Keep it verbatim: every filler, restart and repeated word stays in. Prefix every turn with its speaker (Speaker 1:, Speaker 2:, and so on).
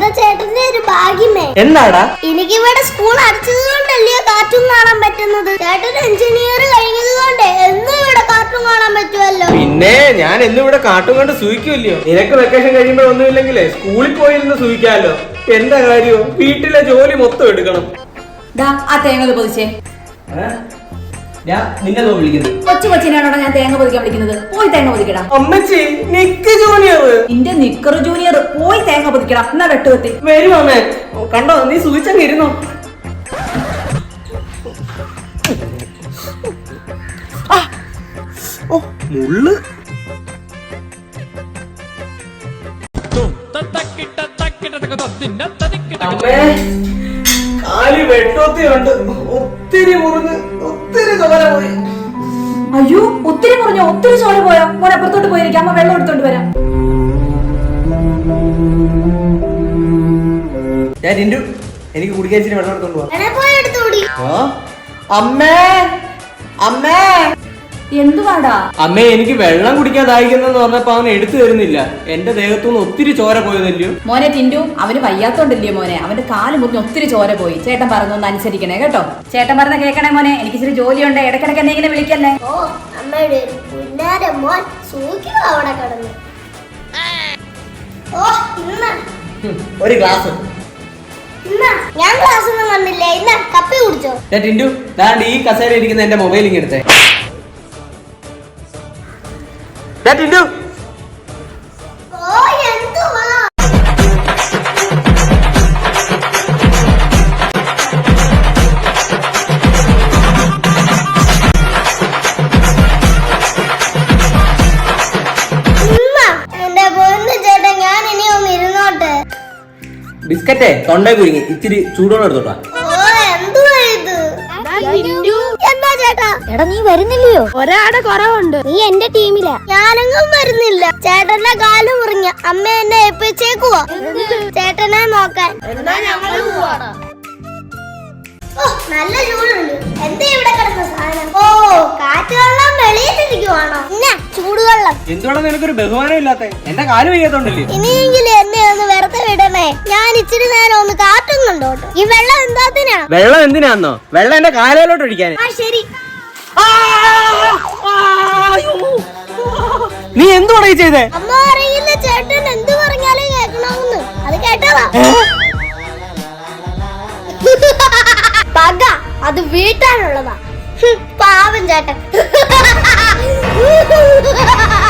Speaker 1: ചേട്ടന്റെ ഒരു ഭാഗ്യമേ.
Speaker 2: എന്നാടാ?
Speaker 1: എനിക്കിവിടെ സ്കൂൾ അടച്ചത് കൊണ്ടല്ലേ കാർട്ടൂൺ കാണാൻ പറ്റുന്നത്. ചേട്ടൻ എഞ്ചിനീയർ കഴിഞ്ഞത് കൊണ്ട് എന്നും ഇവിടെ കാർട്ടൂൺ കാണാൻ പറ്റുമല്ലോ.
Speaker 2: പിന്നെ ഞാൻ എന്നും ഇവിടെ കാർട്ടൂൺ കണ്ട് സൂഹിക്കുമല്ലയോ. നിനക്ക് വെക്കേഷൻ കഴിയുമ്പോ ഒന്നുമില്ലെങ്കിലേ സ്കൂളിൽ പോയിരുന്ന് സൂഹിക്കാമല്ലോ. എന്താ കാര്യോ, വീട്ടിലെ ജോലി മൊത്തം എടുക്കണം.
Speaker 3: ആ തേങ്ങ പൊതിച്ചേ.
Speaker 2: നിന്നെ വിളിക്കുന്നത്
Speaker 3: കൊച്ചു കൊച്ചിനാണോ ഞാൻ തേങ്ങ പൊതിക്കാൻ വിളിക്കുന്നത്? പോയി തേങ്ങ പൊതിക്കടാ.
Speaker 2: അമ്മച്ചി നിക്ക് ജൂനിയർ.
Speaker 3: നിന്റെ നിക്കർ ജൂനിയർ പോയി തേങ്ങ പൊതിക്കടാ. എന്നാ വെട്ടുകത്തി
Speaker 2: വരും അമ്മേ. കണ്ടോ, നീ സൂചിച്ചങ്ങ് ഇരുന്നോ. മുള്ളു അമ്മേ, കാലി വെട്ടോത്തിയുണ്ട്. ഒത്തിരി മുറിഞ്ഞ് ഒത്തിരി ചോര പോയി.
Speaker 3: അയ്യോ, ഒത്തിരി മുറിഞ്ഞോ? ഒത്തിരി ചോര പോയോ? മോനെ അപ്പുറത്തോട്ട് പോയിരിക്കാം, അമ്മ വെള്ളം എടുത്തോണ്ട് വരാം.
Speaker 2: ഞാൻ ടിന്റു, എനിക്ക് കുടിക്കാൻ ഇച്ചിരി വെള്ളം എടുത്തോണ്ട് പോവാ. അമ്മേ അമ്മേ
Speaker 3: എന്തുവാടാ?
Speaker 2: അമ്മേ, എനിക്ക് വെള്ളം കുടിക്കാൻ ദാഹിക്കുന്നെന്ന് പറഞ്ഞപ്പോ അവൻ എടുത്തു തരുന്നില്ല. എന്റെ ദേഹത്തുനിന്ന് ഒത്തിരി ചോര പോയതല്ലയോ.
Speaker 3: മോനെ ടിന്റു, അവന് വയ്യാത്തോണ്ടല്ലയോ മോനെ, അവന്റെ കാല് മുറിഞ്ഞ് ഒത്തിരി ചോര പോയി. ചേട്ടൻ പറഞ്ഞൊന്ന് അനുസരിക്കണേ കേട്ടോ. ചേട്ടൻ പറഞ്ഞ കേൾക്കണേ മോനെ. എനിക്ക് ഇച്ചിരി ജോലിയുണ്ട്, ഇടക്കിടക്ക് എന്തെങ്കിലും വിളിക്കല്ലേ.
Speaker 1: ഓ അമ്മയുടെ പുന്നാര മോൻ സൂക്ഷിക്കുക അവിടെ കിടന്ന്. ഓ ഇന്ന
Speaker 2: ഒരു ഗ്ലാസ്.
Speaker 1: ഞാൻ ക്ലാസ് ഒന്നും കണ്ടില്ല. ഇന്ന കപ്പി കുടിച്ചോ.
Speaker 2: ടിന്റു, ദാണ്ട് ഈ കസേര ഇരിക്കുന്ന എന്റെ മൊബൈൽ ഇങ്ങനെ എടുത്തേ. ടിന്റു,
Speaker 1: ഓ എന്തുവാ? എന്റെ പൊന്നു ചേട്ടൻ, ഞാൻ ഇനി ഒന്ന് ഇരുന്നോട്ടെ.
Speaker 2: ബിസ്ക്കറ്റേ തൊണ്ടേ കുരുങ്ങി, ഇത്തിരി ചൂടോടെ എടുത്തോട്ടാ.
Speaker 1: ഓ എന്തുവാ ഇത്? എന്താ ചേട്ടാ? എടാ നീ വരുന്നില്ലയോ? ഒരാടെ കുറവുണ്ട്. നീ എന്റെ ടീമിലാ. ഞാനെങ്ങും വരുന്നില്ല. ചേട്ടന്റെ കാല് മുറിഞ്ഞ അമ്മ എന്നെ ഏൽപ്പിച്ചേക്കുവാ ചേട്ടനെ നോക്കാൻ. ഓ നല്ല ചൂടുണ്ട്. എന്താ ഇവിടെ കിടന്ന സാധനം? ഓ കാറ്റ് വെള്ളം വെളിയിട്ടിരിക്കുവാണോ? പിന്നെ ചൂടുവെള്ളം.
Speaker 2: എന്തുകൊണ്ടാ നിനക്കൊരു ബഹുമാനം ഇല്ലാത്ത? എന്റെ കാല് വയ്യാത്തോണ്ടല്ലേ.
Speaker 1: ഇനിയെങ്കിലും എന്നെ ഒന്ന് വെറുതെ വിടണേ. ഞാൻ ഇച്ചിരി നേരം ഒന്ന് കാറ്റും കണ്ടോട്ടെ. ഈ വെള്ളം എന്താത്തിനാ?
Speaker 2: വെള്ളം എന്തിനാന്നോ? വെള്ളം എന്റെ കാലിലോട്ട് ഒഴിക്കാൻ.
Speaker 1: ആ ശരി.
Speaker 2: നീ എന്തുവാണ് ചെയ്തേ?
Speaker 1: അമ്മ അറിയില്ല, ചേട്ടൻ എന്ത് പറഞ്ഞാലും കേൾക്കണമെന്ന്. അത് കേട്ടതാ. പക അത് വീട്ടാനുള്ളതാ. പാവം ചേട്ടൻ.